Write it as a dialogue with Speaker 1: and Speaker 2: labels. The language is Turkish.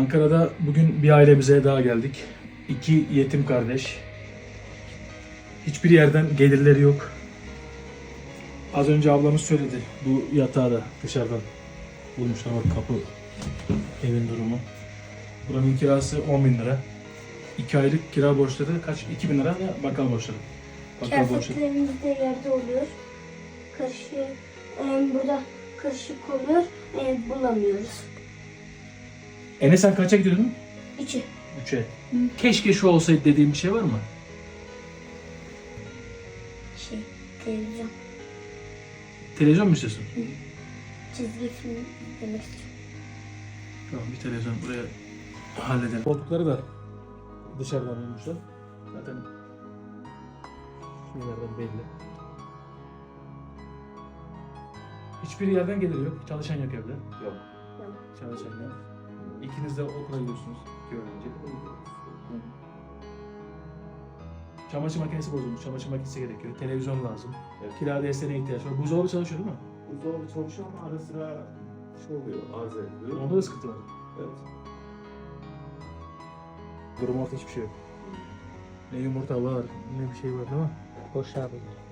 Speaker 1: Ankara'da bugün bir ailemize daha geldik. 2 yetim kardeş. Hiçbir yerden gelirleri yok. Az önce ablamız söyledi. Bu yatağı da dışarıdan bulmuşlar. Bak kapı, evin durumu. Buranın kirası 10.000 lira. 2 aylık kira borçları kaç? 2.000 lira da bakkal borçları. Bakkal borçları.
Speaker 2: Kıyafetlerimiz de yerde oluyor. Karışık, burada karışık oluyor. Bulamıyoruz.
Speaker 1: Enes sen kaça gidiyordun?
Speaker 2: 3'ü.
Speaker 1: 3'e. Keşke şu olsaydı dediğim bir şey var mı?
Speaker 2: Televizyon.
Speaker 1: Televizyon mu istiyorsun?
Speaker 2: Çizgi film izlemek istiyorum.
Speaker 1: Tamam, bir televizyon buraya halledelim. Koltukları da dışarıdan bulmuşlar. Zaten şeylerden belli. Hiçbir yerden gelir yok. Çalışan yok evde.
Speaker 3: Yok.
Speaker 1: Çalışan yok. İkiniz de okula gidiyorsunuz. 2 öğrenci. Çamaşır makinesi bozulmuş. Çamaşır makinesi gerekiyor. Televizyon lazım.
Speaker 3: Evet.
Speaker 1: Kira desteğine ihtiyaç var. Buzdolabı çalışıyor değil mi?
Speaker 3: Buzdolabı çalışıyor ama ara sıra şey oluyor, arıza ediyor.
Speaker 1: Onda da sıkıntı var.
Speaker 3: Evet.
Speaker 1: Durum orta hiçbir şey yok. Ne yumurta var, ne bir şey var değil mi?
Speaker 4: Boş abi.